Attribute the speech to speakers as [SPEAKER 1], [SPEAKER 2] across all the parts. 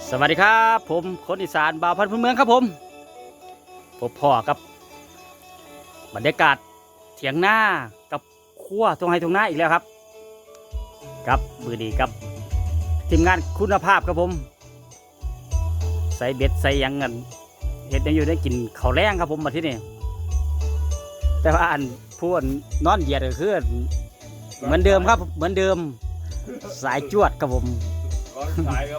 [SPEAKER 1] สวัสดีครับผมคนอีสานบ่าวพันธุ์พื้นเมืองครับผมพบพ่อกับบรรยากาศเถียงนากับขั้วตรงไฮตรงหน้าอีกแล้วครับกับมือดีกับทีมงานคุณภาพครับผมใส่เบ็ดใส่ยังกันเห็ดได้อยู่ได้กินข้าวแรงครับผมมาที่นี่แต่ว่าอันพูดนอนเหยียดก็คือเหมือนเดิมครับเหมือนเดิมสายจวดครับผม
[SPEAKER 2] ร้อนสายครับ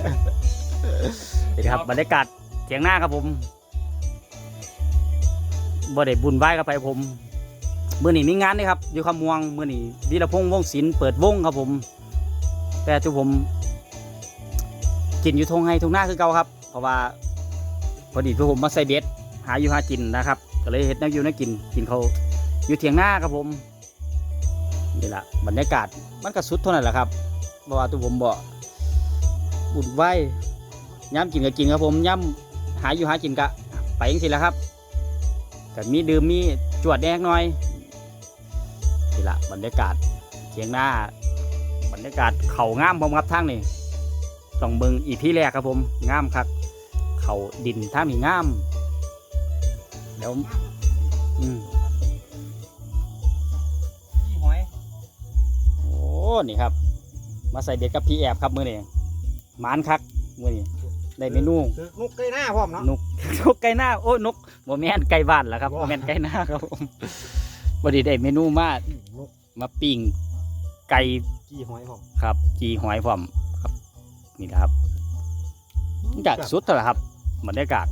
[SPEAKER 1] นี่ครับบรรยากาศเถียงหน้าครับผมบ่ได้บุญไหว้กับไปผมมื้อนี้มีงานนี่ครับอยู่คำม่วงมื้อนี้วีรพงษ์วงศิลป์เปิดวงครับผมแต่ทุกผมกินอยู่ทงไห้ทงหน้าคือเก่าครับเพราะว่าพอดีทุกผมมาใส่เบ็ดหาอยู่หากินนะครับก็เลยเฮ็ดแนวอยู่แนวกินเขาอยู่เถียงหน้าครับผมนี่แหละบรรยากาศมันก็สุดเท่านั้นแหละครับเพราะว่าทุกผมบ่บุญไหว้ย้ำกินก็กินครับผมย้ำหาอยู่หากินกะไปยังสิแล้วครับแต่มีดื่มมีจวดแดงหน่อยนี่ละบรรยากาศเทียงหน้าบรรยากาศเขางามผมครับทางนี่ต้องเบิ่งอีพีแรกครับผมงามครับเขาดินท่ามีงามแล้ว
[SPEAKER 2] พี่หอย
[SPEAKER 1] โอ้นี่ครับมาใส่เบ็ดกับพี่แอบครับมือนี่หมานคักมือนี่ได้เมนู
[SPEAKER 3] นกไก่หน้าพร้อมเนาะ
[SPEAKER 1] นกไก่หน้าโอ้นกโมแมนไก่บ้านแหละครับโมแมนไก่หน้าครับผมวันนี้ได้เมนูมาปิ้งไก่
[SPEAKER 3] กี่หอยพร้อม
[SPEAKER 1] ครับจีหอยพร้อมครับนี่แหละครับจากสุดเท่าไหร่ครับบรรยากาศ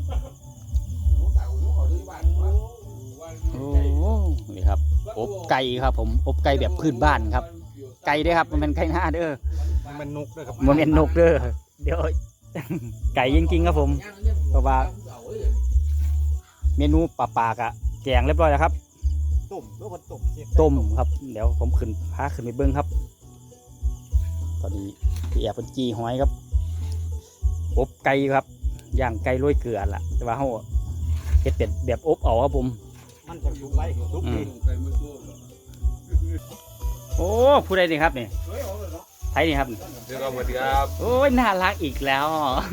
[SPEAKER 1] โอ้นี่ครับอบไก่ครับผมอบไก่แบบพื้นบ้านครับไก่ด้วยครับมันเป็นไก่หน้าเด้อ
[SPEAKER 3] มันนกด้วยครับ
[SPEAKER 1] โมแมนนกเด้อเดี๋ยวไก่จริงๆครับผมเพราะว่าเมนูปลากะแกงเรียบร้อยแล้วครับ
[SPEAKER 3] ต้มแล้วก็
[SPEAKER 1] ต้มครับเดี๋ยวผมพาขึ้นไปเบิ้งครับตอนนี้พี่แอบเป็นจีหอยครับอบไก่ครับย่างไก่โรยเกลือล่ะแต่ว่าเขาเฮ็ดเป็ดแบบอบเอาครับผม
[SPEAKER 3] มันจะสุกไว้สุกดี
[SPEAKER 1] โอ้ผู้ใดนี่ครับนี่ไทยนี่ครับ
[SPEAKER 2] เดี๋ยวเราสวัสดีครับ
[SPEAKER 1] โอ้ยน่ารักอีกแล้ว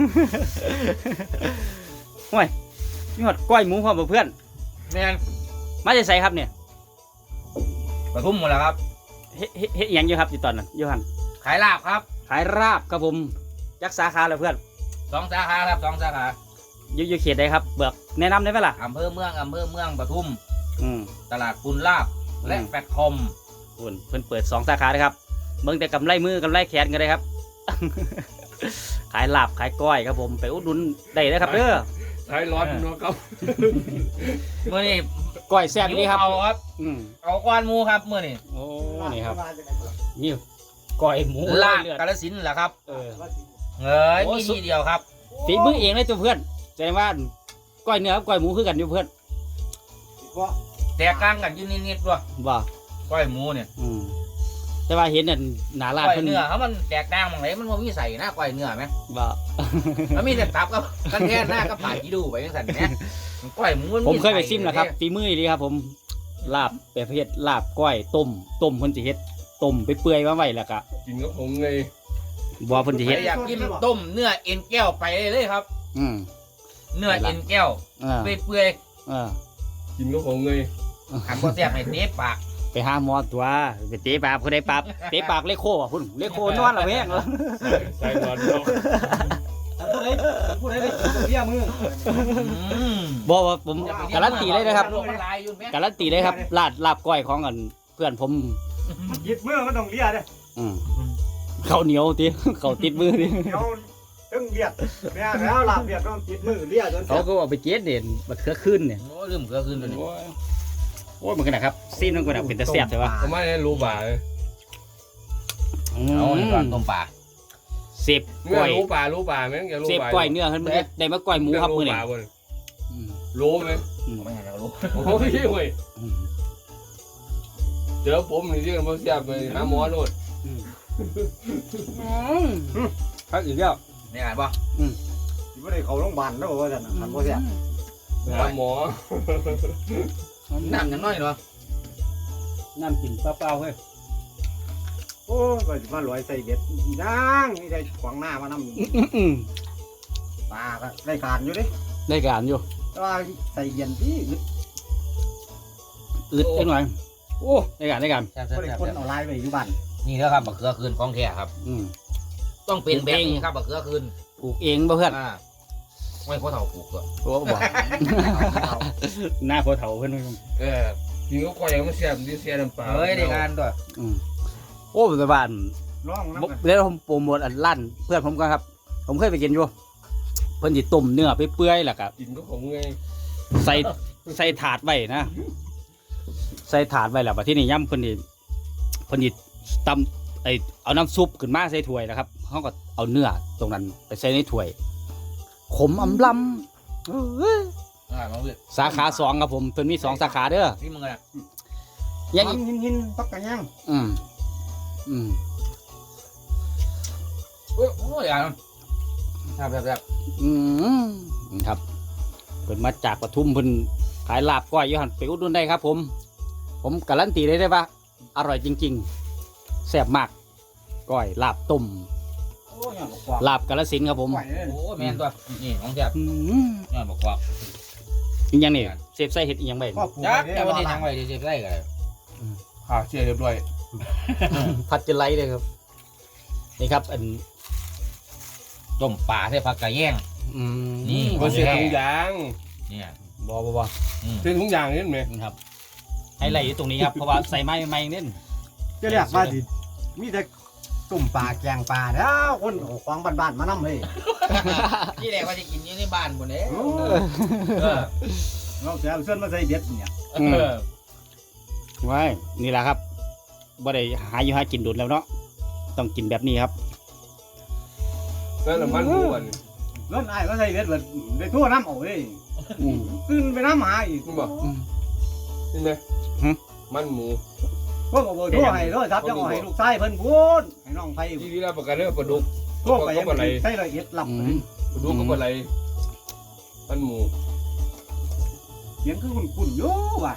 [SPEAKER 1] โอ้ยนี่หอดก้อยหมูพร้อมเพื่อน
[SPEAKER 2] แมน
[SPEAKER 1] มาจะใส่ครับเนี่ย
[SPEAKER 2] ปทุมหมดแล้วครับ
[SPEAKER 1] เฮ็ดยังอยู่ครับอยู่ตอนนั้นยูฮัน
[SPEAKER 2] ขายลาบครับ
[SPEAKER 1] ขายราบครับผมยักษ์สาขาเลยเพื่อน
[SPEAKER 2] 2 สาขาครับ2 สาขา
[SPEAKER 1] อยู่เขตใดครับเบิกแนะนำได้ไหมล่ะ
[SPEAKER 2] อำเภอเมืองปทุมตลาดปุนลาบและแฟตคอม
[SPEAKER 1] เพิ่นเปิด2 สาขาเลยครับเบิ่งแต่กำไรมือกำไรแขนกันเลยครับ ขายลาบขายก้อยครับผมไปอุดหนุนได้เลยครับเด้อ
[SPEAKER 2] ขายร้อนเนาะครับเมื่อนี้
[SPEAKER 1] ก้อยแซ่บดีครับ
[SPEAKER 2] เอาครับเอาก้อนหมูครับเมื่อนี้
[SPEAKER 1] โอ้นี่ครับนี่ก้อยหมู
[SPEAKER 2] ลาบกาฬสินธุ์แหละครับมีทีเดียวครับ
[SPEAKER 1] ฝีมือเองเลยตัวเพื่อนแสดงว่าก้อยเนื้อกับก้อยหมูคือกันอยู่เพื่อน
[SPEAKER 2] แตกต่างกันอยู่นิดๆด้วย
[SPEAKER 1] ว่า
[SPEAKER 2] ก้อยหมูเนี่ย
[SPEAKER 1] แต่ว่าเห็นเนี่ยหนาลาด
[SPEAKER 2] เนื้อเขามันแตกต่างอย่างไรมันมีใส่หน้าก้อยเนื้อไหม
[SPEAKER 1] ว่า
[SPEAKER 2] แล้วมีแต่ตับกับกันแท่หน้ากับผ่ากีดูไปยังสั่นเนี่ยก้อยหมู
[SPEAKER 1] ผมเคยไปซิมแล้วครับฝีมือดีครับผมลาบแบบเฮ็ดลาบก้อยต้มคนจะเฮ็ดต้มไปเปื่อยมาไว้แล้วก็
[SPEAKER 2] กินกับผมไง
[SPEAKER 1] บัวคนจะเฮ็ด
[SPEAKER 2] อยากกินต้มเนื้อเอ็นแก้วไปเลยครับเนื้อเอ็นแก้วเปื่อยกินกับผมไงหันบ่แซ่บให้เตะปาก
[SPEAKER 1] ไปหาหมอตัวไปเตะปากคนใดปากเตะปากเลโคอ่ะคุณเลโคนอนละแพงเหรอ
[SPEAKER 2] ใส่นอนเนาะ
[SPEAKER 3] พูดได้เบี้ยมือ
[SPEAKER 1] บอกว่าผมการันตีเลยนะครับการันตีเลยครับลาบก้อยของกันเพื่อนผม
[SPEAKER 3] ยิบมือมันต้องเลี้ยด้วย
[SPEAKER 1] เขาเหนียวติเขาติดมือดิ
[SPEAKER 3] ตึ้งเบียดแม่แล้วลาบเบียดต้องติดมือเลี้ยจน
[SPEAKER 1] เขาก็เอาไปเก็ดเด่นบัดเครือขึ้นเนี่ย
[SPEAKER 2] โอ้ลืมเครือขึ้นตัวนี้
[SPEAKER 1] โอ้ยมันขนาดครับซีนมันขนาดเป็นตะเสียบใช่ปะ
[SPEAKER 2] ผมไม่ได้รู้ป่าเลยเอาในตอนต้มป่า
[SPEAKER 1] เสียบก้อย
[SPEAKER 2] รู้ป่าไหมอย่ารู้ป่า
[SPEAKER 1] เสียบก้อยเนื้อขึ้นมาได้มาก้อยหมูครับมือเนี่ย
[SPEAKER 2] รู้ไหมไม่ให้เรารู้โอ้ยเว้ยเจอผมนี่ที่มันเสียบไปหาหมอโน่น
[SPEAKER 1] พักอีกแล้ว
[SPEAKER 2] นี่ไงป่ะ
[SPEAKER 3] ไม่ได้เขาโรงพยาบาลแล้วว่าจะทำก็เสีย
[SPEAKER 2] หาหมอน้ำยังน้อยเนาะ
[SPEAKER 1] น้ำกินเปล่าๆเฮ้ย
[SPEAKER 3] โอ้ยมาลอยใส่เบ็ดย่างนี่ได้ขวางหน้ามานำปลาก็ได้การอยู่ดิ
[SPEAKER 1] ได้การอยู่
[SPEAKER 3] แต่ว่าใส่เย็นที่
[SPEAKER 1] อึดจังหน่อยโอ้ได้การ
[SPEAKER 2] แซ่บ
[SPEAKER 3] ก็ได้คนเอาลายไปอยู่บ้าน
[SPEAKER 2] นี่แล้วครับบักเขือคืนของแท้ครับ ต้องเป็นแบบนี้ครับบักเขือคืน
[SPEAKER 1] ปลูกเองบ่เพื่อน
[SPEAKER 2] ไม่พอเท่าปลูกก็
[SPEAKER 1] โอ้บ่หน้าพอเฒ่าเพิ่น
[SPEAKER 4] กินก็ก่อยยังไม่เสียบดิเสียน้ำปลา
[SPEAKER 2] เฮ้ยได้การตัว
[SPEAKER 1] โอ้แต่บ้าน
[SPEAKER 3] ร้องน้ำ
[SPEAKER 1] เดี๋ยวผมโปรโมทอันลั่นเพื่อนผมก็ครับ ผมเคยไปกินอยู่เพิ่นสิต้มเนื้อเปื่อยๆแล้วก็
[SPEAKER 4] กินก็ของไง
[SPEAKER 1] ใส่ถาดไว้นะใส่ถาดไว้แล้วบัดที่นี่ย่ำเพิ่นสิตำเอาน้ำซุปขึ้นมาใส่ถ้วยนะครับเขาก็เอาเนื้อตรงนั้นไปใส่ในถ้วยขมอำลำ
[SPEAKER 2] มาเว้ย
[SPEAKER 1] สาขา2ครับผมเพิ่นมี2สาขาเด้อ
[SPEAKER 2] นี่มึงอะ
[SPEAKER 1] ยังอีก
[SPEAKER 3] หินปักกะย่าง
[SPEAKER 1] อืม
[SPEAKER 2] โอ้ยอ่ะแบบ
[SPEAKER 1] ครับเพิ่นมาจากปทุมเพิ่นขายลาบก้อยอยู่หั่นไปอุดหนุนได้ครับ ผมการันตีได้ว่าอร่อยจริงๆแซ่บมากก้อยลาบต้ม
[SPEAKER 3] โอ้ยบอกว่า
[SPEAKER 1] ลาบกาฬสินธุ์ครับผม
[SPEAKER 3] ไหวเลย
[SPEAKER 2] โอ้แมนตัวนี่ของแซ่บนี่บอกว่า
[SPEAKER 1] อีกอย่างนี่เซฟไส้เห็ดอีกอย่างไป
[SPEAKER 3] พ่อปลูก
[SPEAKER 2] จัก
[SPEAKER 3] ได้
[SPEAKER 2] แต่ว่าที่
[SPEAKER 3] ว่า
[SPEAKER 2] ทางไว้ที่เจ็บได้กัน
[SPEAKER 4] ขาเสียเรียบร้อย
[SPEAKER 1] ผัดจะไล่เลยครับนี่ครับอัน
[SPEAKER 2] ต้มปลาใส่ผักกระแยง นี่
[SPEAKER 4] ก็เสียถุงยาง
[SPEAKER 2] เนี่ย
[SPEAKER 1] บอบอ
[SPEAKER 4] เสียถุงยางนี่ไหม
[SPEAKER 1] นี่ครับให้ไล่อยู่ตรงนี้ครับเพราะว่าใส่ไม้เน้น
[SPEAKER 3] จะเรียกว่าดิมีแต่ตุ่มปลาแกงปลาแล้วคนเอาของบ้านๆมานำเฮ้ย
[SPEAKER 2] ที่แรกว่าจะกินอยู่ในบ้านหมดเลย
[SPEAKER 3] เราจะเอาเส้นมาใส่เบ็ดเนี่ย
[SPEAKER 1] ไว้นี่แหละครับบ่ได้หาอยู่หากินโดนแล้วเนาะต้องกินแบบนี้ครับ
[SPEAKER 4] แล้วน้ำมันม้วน
[SPEAKER 3] เล่นไอ้ก็ใส่เบ็ดแบบได้ทั่วน้ำเอาเฮ้ยขึ้นไปน้ำหาอีก
[SPEAKER 4] นี่บอกนี่ไหมมันหมู
[SPEAKER 3] พวกเอาไปทั่วให้ด้วยครับจะเอาให้ลูกชายเพิ่นพูดให้น้องไป
[SPEAKER 4] ที่นี่เราประกันเรื่องปลาดุก
[SPEAKER 3] ทั่วไปใส่ละเอียดหลับ
[SPEAKER 4] ปลาดุกก็ปลาไหลมันหมู
[SPEAKER 3] เสียงคือคุณอยู่ว่ะ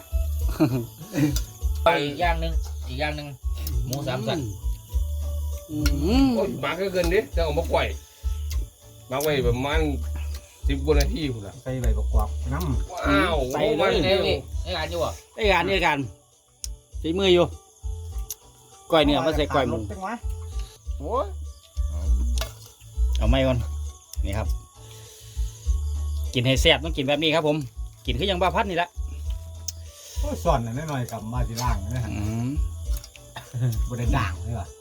[SPEAKER 2] อีกอย่างหนึ่งหมูสามสัน
[SPEAKER 4] โอ้ยมาเกินดิจะเอามาก่อยมาไว้ประมาณ10 กว่านาทีคุณล่ะ
[SPEAKER 3] ใส่ใบประกอบน้ำ
[SPEAKER 4] ว้าว
[SPEAKER 2] ใส่
[SPEAKER 4] มั
[SPEAKER 2] เลย
[SPEAKER 4] น
[SPEAKER 2] นี่ไอ้การอยู่อ่ะ
[SPEAKER 1] ไอ้การใช้มืออยู่ก้อยเนื้อมาใส่ก้อยหมู
[SPEAKER 4] โอ้ย
[SPEAKER 1] เอาไม่ก่อนนี่ครับ กินให้แซ่บต้องกินแบบนี้ครับผมกินคือยังบ้าพัดนี่แหละ
[SPEAKER 3] โอ้ยส่วนน่ะน้อยๆกับมาที่ล่างนะฮะบ่ได้ด่างเลยว่ะ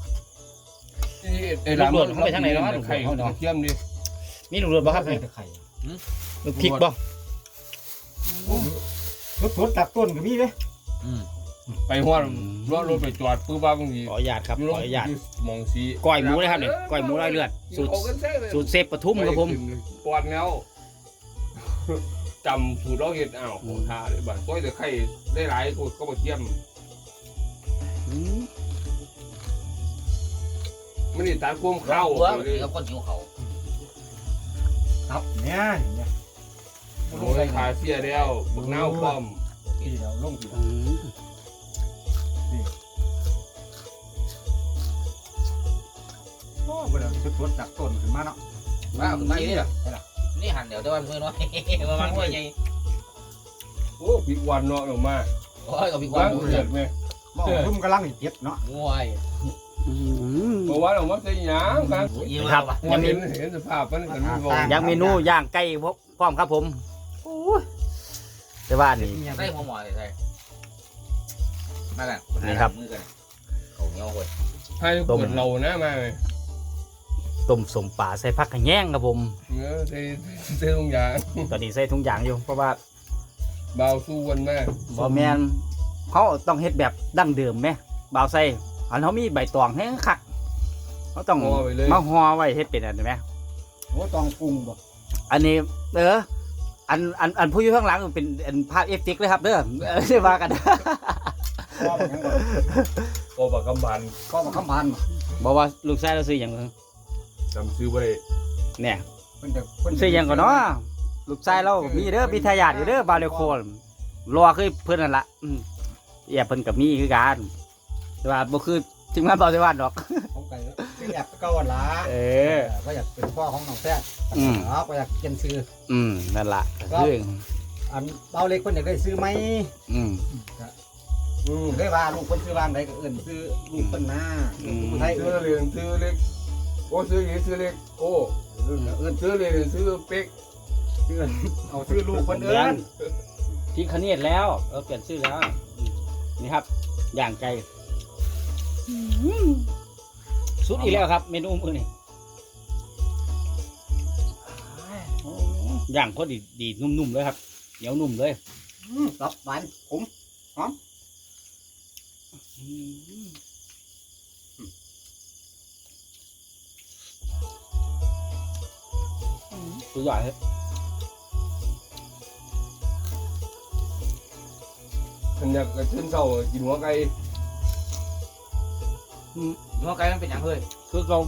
[SPEAKER 4] ไอ้ร้านมันไข่เทียมดิ
[SPEAKER 1] มีลูกโดดบ่ครับ
[SPEAKER 3] ใส่แต่ไข่
[SPEAKER 1] ลูกพริกบ่
[SPEAKER 3] ทุดๆจากต้นก็มีเด้
[SPEAKER 4] ไปหัวรถไปจอดปื้บ้าบางที
[SPEAKER 1] ขออนุญาตครับขออนุญาต
[SPEAKER 4] มองสี
[SPEAKER 1] ก้อยหมูเลยครับนี่ก้อยหมูไร้เลือดสูตรเซฟปทุมครับผม
[SPEAKER 4] ปอดเงาจำสูตรเราเห็ดอ้าวโหท่าเลยบ้านก้อยแต่ไข่ได้หลายสูตรก็มาเทียมไม่ได้ตาควมเข้า
[SPEAKER 2] เลยกับคนหิวเขา
[SPEAKER 3] ครับเนี่ย
[SPEAKER 4] โอ้ยขาเสียแล้วบักน้าวพร้อม
[SPEAKER 3] ที่เราลงที่โอ้บ่ได้ทุดๆจากต้นขึ้นมาเนาะ
[SPEAKER 2] ว้าวคุณมาอยู่นี่เหรอนี่หันเดี๋ยวแต่วันมือน้อยประมาณมือใหญ่
[SPEAKER 4] โอ้ปีวันเนาะออกมา
[SPEAKER 2] โอ้ยกับพี่กวา
[SPEAKER 4] ว่าง งเกิดไหม
[SPEAKER 3] บ่ทุ่มกำลังเจ็บเนาะ
[SPEAKER 2] มวย
[SPEAKER 4] เพราะว่าออกมาใส่ยางกัน
[SPEAKER 1] ครับ
[SPEAKER 4] ยังเห็นสภาพมันกันไม่บอก
[SPEAKER 1] ยังเมนูย่างไก่พร้อมครับผมแต่ว่านี่
[SPEAKER 2] ใส่หัวหมอใส่มากันมือกันเขาเหนียวคน
[SPEAKER 4] ให้เปิดเรานะมาเลย
[SPEAKER 1] ต้มสมป่าใส่ผักกระแยงครับผม
[SPEAKER 4] เนื้อใส่ตรงยาง
[SPEAKER 1] ตอนนี้ใส่ทุกอย่างอยู่เพราะว่า
[SPEAKER 4] เบาสู้วันแม่
[SPEAKER 1] บ่แมนเขาต้องเฮ็ดแบบดั้งเดิมไหมบ่าวใส่อันเขามีใบตองให้คักเขาต้องมาห่อไว้เฮ็ดเป็นอันนี้ไหม
[SPEAKER 3] โอ้ตองปรุงบ่
[SPEAKER 1] อันนี้อันผู้อยู่ข้างหลังเป็นอันภาพเอฟเฟกต์เลยครับเด้อใช่ว่ากัน
[SPEAKER 3] พ่อมันยังบ่
[SPEAKER 4] โอปากกำบัน
[SPEAKER 3] พ่อมันคำพันบ่
[SPEAKER 1] บอกว่าลูกชายเราซื้ออย่าง
[SPEAKER 4] จำซื้อไว้
[SPEAKER 1] เนี่ย
[SPEAKER 3] เพิ่นจะเพิ่น
[SPEAKER 1] ซื้ออย่างก่อนเนาะลูกชายเรามีเด้อมีทายาทอยู่เด้อบาเลโคลรอคือเพิ่นนั่นละเพิ่นกับมีคือกันแต่ว่าบ่คือถึงมาเบาสิวานดอก
[SPEAKER 3] ผมก็อยากเก่าละ ก็อยากเป็นพ่อของน้องแท้ก็อยากเขียนซื้อ
[SPEAKER 1] นั่นล่ะคือ
[SPEAKER 3] อันเบาเล็กคนอยากได้ซื้อไหมได้ว่าลูกคนซื้อบ้านใดก็เอิ้นซื้อลูกคนหน้าไทย
[SPEAKER 4] ซื้อเล็กซื้อเล็กโอ้ซื้อยี่ซื้อเล็กโอ้ซื้อเล็กซื้อเป๊ก
[SPEAKER 3] เอาซื้อลูกคนเอิ้น
[SPEAKER 1] พี่คเนตแล้วเปลี่ยนชื่อแล้วนี่ครับย่างไก่สุดอีกแล้วครับเมนูมื้อนี้ย่างพอดีนุ่มๆเลยครับเหนียวนุ่มเลย
[SPEAKER 3] รับหวานผม
[SPEAKER 1] สุดยอดเลย
[SPEAKER 4] ฉันอยากขึ้นเสากินหัวไก่
[SPEAKER 2] หัวไก่มันเป็นอย่างเฮ้ย
[SPEAKER 1] คือเรา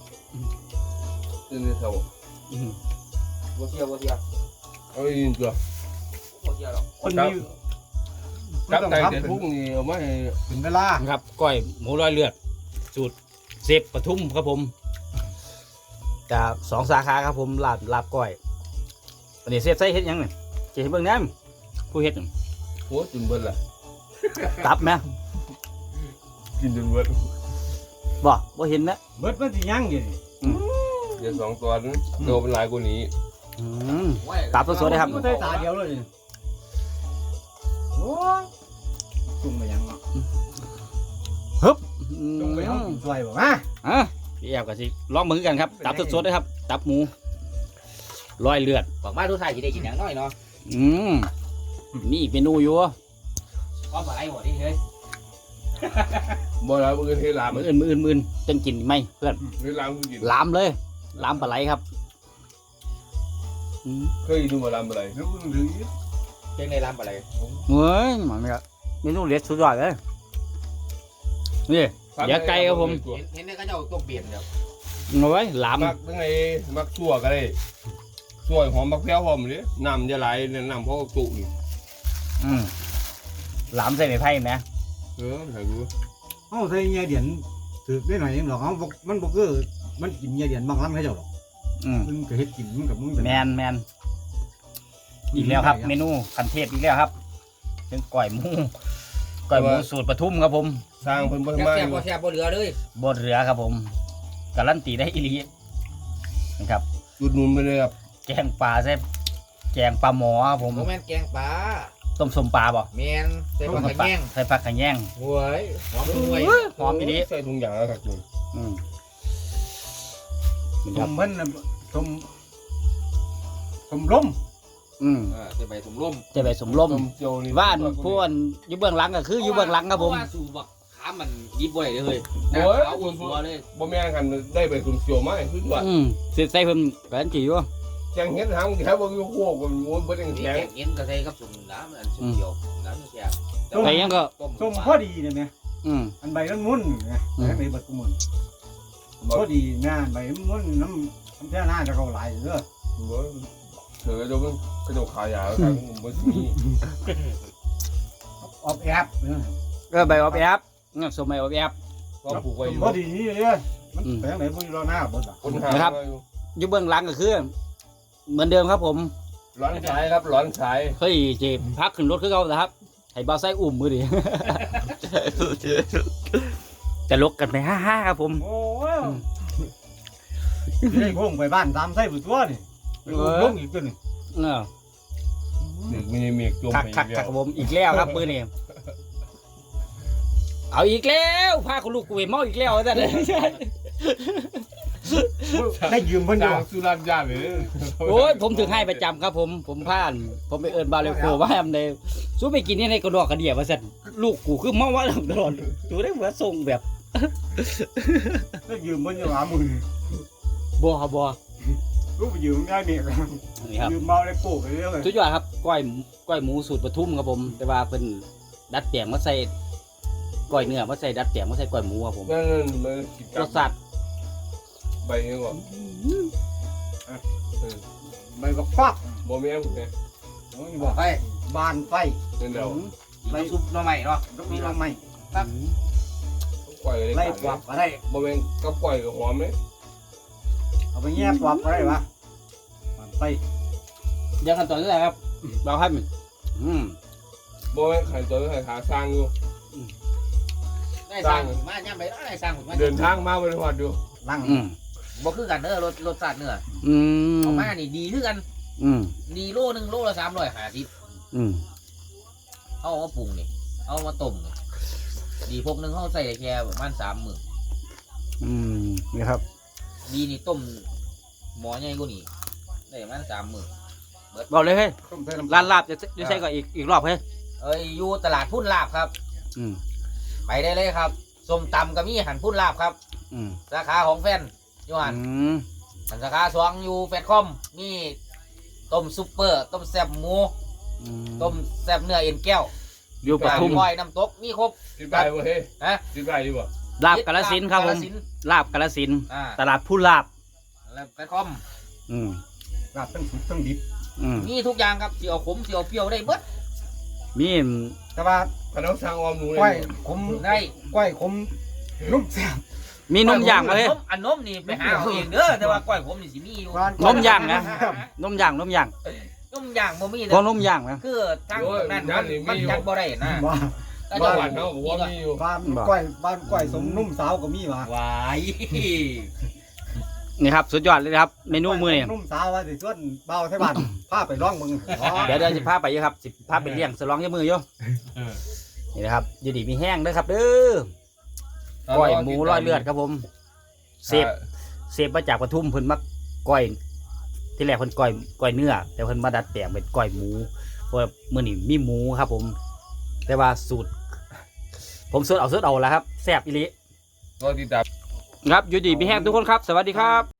[SPEAKER 4] ขึ้นเสา
[SPEAKER 2] บัวเทียบัวเทีย
[SPEAKER 4] เอาอีกตัว
[SPEAKER 2] บัวเทียหรอก
[SPEAKER 3] คนนี้
[SPEAKER 4] กับไก่แต่ทุ่งนี่เอามาให้
[SPEAKER 3] ถึงเวลา
[SPEAKER 1] ครับก้อยหมูร้อยเลือดสูตรเซฟปทุมครับผมจาก2 สาขาครับผมลาบก้อยอันนี้เซฟใส่เฮ็ดหยังเนี่ยจะเห็นเบิ่งแหนมผู้เฮ็ด
[SPEAKER 4] โอ้จุนเบิ้ลล่ะ
[SPEAKER 1] ตับไหม
[SPEAKER 4] กินจนเบิ้ล
[SPEAKER 1] บ่เห็นนะ
[SPEAKER 3] เบิดมันสิยังอยู่
[SPEAKER 4] เดี๋ยว2 ตัวนั้นตัวเป็นหลายกว่านี้
[SPEAKER 1] ตับสดๆเลยครับ
[SPEAKER 3] มันใส่ตาเดียวเลยโอ้จุ่มไปยังเนาะจุ่มไปยังสวยบ่มา
[SPEAKER 1] พี่แอบกับสิลองมือกันครับตับสดๆเลยครับตับหมูร้อยเลือด
[SPEAKER 2] บอกมาทุกท่านจะได้กินอย่างน้อยเนาะ
[SPEAKER 1] มีอีกเมนูอยู่
[SPEAKER 2] ก็มาไล่หัวนี่เฮ้ย
[SPEAKER 4] บ่แล้วมือเทลาม
[SPEAKER 1] มืออื่นจังกินไหมเพื่อน
[SPEAKER 4] เทลามคือกิน
[SPEAKER 1] ลามเลยลามปลาไหลครับ
[SPEAKER 4] เคยดูมาลามอะไร
[SPEAKER 3] แล้วหรือ
[SPEAKER 2] เพียงในร้านอะไร
[SPEAKER 1] เฮ้ยมันครับเมนูเล็ดสุดยอดเลยนี่เดี๋ยวไก่ครับผม
[SPEAKER 2] เห็นได้ก็จะเอาตัวเปลี่ยนเดี๋ยว
[SPEAKER 1] เอาไว้ลาม
[SPEAKER 4] มักยังไงมักชั่วก็ได้ชั่วหอมมักแพ้วหอมเลยน้ำจะไหลเนี่ยน้ำเพราะตุ่น
[SPEAKER 1] ลามใส่ไม้ไผ่ไหม
[SPEAKER 4] ใส่กู
[SPEAKER 3] เอาใส่เงียเดียนถือได้หน่อยนึงหรอกมันบ่คือมันกินเงียเดียนบางครั้งให้เจ้าหรอกมึงก็เฮ็ดกินมึงกับมึง
[SPEAKER 1] แมนอีกแล้วครับ เมนูคันเทพอีกแล้วครับเป็นก้อยหมูสูตรปทุมครับผม
[SPEAKER 4] สร้างเพิ่นเพิ่ม
[SPEAKER 2] แซ่
[SPEAKER 4] มา
[SPEAKER 2] บบัวเทียบัวเรือเลย
[SPEAKER 1] บนเรือครับผมการันตีได้อีหลีนะครับ
[SPEAKER 4] จุดนุ่นไปเลยครับ
[SPEAKER 1] แกงปลาใส่แกงปลาหมอครับผม
[SPEAKER 2] โมแมนแกงปลา
[SPEAKER 1] ต้มสมปลาบ่
[SPEAKER 2] แมนใส่ผักกระแยง
[SPEAKER 1] ใส่ผักขะแยง
[SPEAKER 2] หวยหอมด้วย
[SPEAKER 1] หอมอีนี้
[SPEAKER 4] ใส่ถุงยางแล้วครับจุน
[SPEAKER 3] ต้มมันต้มล้ม
[SPEAKER 2] ใส่ใบสมร่ม
[SPEAKER 1] จะไปสมลม
[SPEAKER 4] ต้มเจียวนี่
[SPEAKER 1] ว่านพวนอยู่เบื้องหลังก็คืออยู่เบื้องหลังครับผม
[SPEAKER 2] สูบบักขามันยิบไว้เลย
[SPEAKER 4] โอ้ย
[SPEAKER 2] เอาอุ่นตัวเลย
[SPEAKER 4] บ่แม่นกันได้ไปต้มเจียวมาคือว่า
[SPEAKER 1] เสียใส่เพิ่มกันจีอยู่
[SPEAKER 4] แกงเฮ็ดหางแค่บ่อยู่โคกมันโอ้ยบ่ได้
[SPEAKER 2] นี่
[SPEAKER 4] แข็ง
[SPEAKER 2] แกงเอ็นก็ใส่กับสุ่มน้ำอันสุ่มเดียวน้ำแซ่บ
[SPEAKER 1] ไปยังก็
[SPEAKER 3] ต้มพอดีเนี่ยแม่อันใบมันมุนไงใบบัดกุมุนพอดีงานใบมันมุนน้ำแค่หน้าจะเข้าหลายเด้อ
[SPEAKER 4] เธอเดี๋ยวมันกระโดดขายาวทางบ่มี
[SPEAKER 3] ออบแอบเ
[SPEAKER 1] ใบออบแอบสมัยออบแอบ
[SPEAKER 4] ก็ปลูกไว้อยู่
[SPEAKER 3] พอดีนี่เลยมันแปลงไหนพวกเราหน้าบดอ่ะ
[SPEAKER 4] คนหา
[SPEAKER 1] อยู่เบื้องหลังก็คือ เหมือนเดิมครับผม
[SPEAKER 4] ร้อนสายครับร้อนสาย
[SPEAKER 1] เฮ้ยเจ็บพักขึ้นรถคือเขานะครับให้บ่าวไส้อุ้มมือดิ จะลกกันไปฮ่าๆครับผม
[SPEAKER 3] โอ้ยได้พงไปบ้านตามไส้ผู้ตัวนี่ลงอีกตัวนี่
[SPEAKER 4] เด็กมีเมฆจม
[SPEAKER 1] คัก
[SPEAKER 4] ไป
[SPEAKER 1] คักคักผมอีกแล้วครับมือนี่เอาอีกแล้วพาคุณลูกกูไปเมาอีกแล้วแต่เลย
[SPEAKER 3] ได้ยืมเพิ่นอยู่
[SPEAKER 4] จางสุรัตยาเลย
[SPEAKER 1] โอ้ยผมถึงให้ประจำครับผมผ่านผมไปเอิญบาเลโกว่าแอมเลยสู้ไปกินนี่ในกระดอกกระเดียว่าสั่นลูกกูคือเมาว่าตลอดดูได้เหมือนทรงแบบ
[SPEAKER 3] ได้ยืมเพิ่นอยู่50,000
[SPEAKER 1] บัวครับบัว
[SPEAKER 3] ลูกไปยืมได้เด็ก
[SPEAKER 1] นี่ครับ
[SPEAKER 3] ยืมเมาได้ปลูกไปเรื่อย
[SPEAKER 1] สุดยอดครับก้อยหมูสูตรปทุมครับผม แต่ว่าเป็นดัดแปลงมาใส่ก้อยเนื้อมาใส่ดัดแปลงมาใส่ก้อยหมูครับผม
[SPEAKER 4] นั่นมันกิน
[SPEAKER 1] รสชาติ
[SPEAKER 4] ใบนี้ก่อน
[SPEAKER 3] ใบบักฟัก
[SPEAKER 4] บ่แม่นไง
[SPEAKER 3] บอกไปบานไฟ
[SPEAKER 4] นั่นเดียว
[SPEAKER 2] ใบซุปหน่อไม้เนาะ
[SPEAKER 3] มีลมไหม
[SPEAKER 4] คก่อยเลย
[SPEAKER 3] ไล่ปอบก็ได้
[SPEAKER 4] บ่เป็นกับก่อยกับหอมเลย
[SPEAKER 3] เอาไปแง่ปอบก็ได้วะมันไป
[SPEAKER 1] เดี๋ยวขั้นตอนนี้แหละครับเราให้มัน
[SPEAKER 4] บ่เป็นไข่ตัวไข่ขาสร้างอยู่
[SPEAKER 2] ได้สร้างมาย่ำไปได้สร้างผมมา
[SPEAKER 4] เดินทางมาบริวารดู
[SPEAKER 3] ลัง
[SPEAKER 2] บ่คือกันเด้อรสชาติเนื้อ
[SPEAKER 1] อืม
[SPEAKER 2] เอามานี่ดีคือกัน
[SPEAKER 1] อืม
[SPEAKER 2] ดีโลนึงโลละ350
[SPEAKER 1] อืม
[SPEAKER 2] เอามาปรุงนี่เอามาต้มนี่ดีพวกนึงเขาใส่แค่ประมาณ3 มื้อ
[SPEAKER 1] นี่ครับ
[SPEAKER 2] ดีนี่ต้มหมอใหญ่กว่านี่ได้ประมาณ3 มื้อ
[SPEAKER 1] บอกเลยเฮ้ย
[SPEAKER 3] ต้มใส่น้ำ
[SPEAKER 1] ร้านลาบจะใช้ก็อีกรอบเฮ้ย
[SPEAKER 2] อยู่ตลาดพุ่นลาบครับ
[SPEAKER 1] อืม
[SPEAKER 2] ไปได้เลยครับส้มตำก็มีหันพุ่นลาบครับ
[SPEAKER 1] อืม
[SPEAKER 2] สาขาของแฟนอยู่หัน
[SPEAKER 1] อืม
[SPEAKER 2] หันสาขา2อยู่แฟตคอมมีต้มซุปเปอร์ต้มแซ่บหมูต้มแซ่บเนื้อเอ็นแก้ว
[SPEAKER 1] อยู่ปทุม
[SPEAKER 2] ก้อยน้ำตกมีครบ
[SPEAKER 4] กินไปบ่เฮ้ย
[SPEAKER 2] ฮะ
[SPEAKER 4] กินไปดีบ่
[SPEAKER 1] ลาบกาฬสินธุ์ครับผม
[SPEAKER 2] กาฬสินธุ์
[SPEAKER 1] ลาบกาฬสินธุ์
[SPEAKER 2] อ่า
[SPEAKER 1] ตลาดผู้ลาบ
[SPEAKER 2] แล้วแฟตคอม
[SPEAKER 1] อืม
[SPEAKER 3] ลาบทั้งสุกทั้งดิบ
[SPEAKER 1] อืม
[SPEAKER 2] มีทุกอย่างครับเสียวขมเสียวเปรี้ยวได้เบิด
[SPEAKER 1] มี
[SPEAKER 3] แต่ว่า
[SPEAKER 4] ขนมสร้างออมหนูเลย
[SPEAKER 3] ก้อยขม
[SPEAKER 2] ได้
[SPEAKER 3] ก้อยขมนุ่มแซ่บ
[SPEAKER 1] มีนมย่างมาเลย
[SPEAKER 2] อันนมนี่ไปหาเอาเองเด้อแต่ว่าก้อยขมนี่สิมีอยู่
[SPEAKER 1] นมย่างนะ นมย่าง
[SPEAKER 2] นมย่างบ่มี
[SPEAKER 1] พอนมย่างนะ
[SPEAKER 2] คือทางนั้นมันจัดบ่ได้นะ
[SPEAKER 3] ว่า
[SPEAKER 2] ก็
[SPEAKER 4] บ้า
[SPEAKER 2] จะ
[SPEAKER 4] นเขาบอกว่ามีอยู่
[SPEAKER 3] บ้านก้อยสมนุ่มสาวก็มีวะ
[SPEAKER 2] วาย
[SPEAKER 1] นี่ครับสุดยอดเลยนะครับเมนูมื้อนี่
[SPEAKER 3] นุ่มสาวว่าสิส่วนเบาไทยบ้านพาไปร้องมึง
[SPEAKER 1] เดี๋ยวสิพาไปอยู่ครับสิพาไปเลี้ยงสลองยมืออยู่นี่นะครับอยู่ดีมีแห้งเด้อครับเด้อก้อยหมูร้อยเลือดครับผมเสพมาจากปทุมเพิ่นมาก้อยที่แรกเพิ่นก้อยเนื้อแต่เพิ่นมาดัดแปลงเป็นก้อยหมูเพราะว่ามื้อนี้มีหมูครับผม แต่ว่าสูตร ผมสูตรเอาแล้วครับแซ่บอีหลี
[SPEAKER 4] ก็ติดตาม
[SPEAKER 1] ครับอยู่ดีมีแห้งทุกคนครับ สวัสดีครับ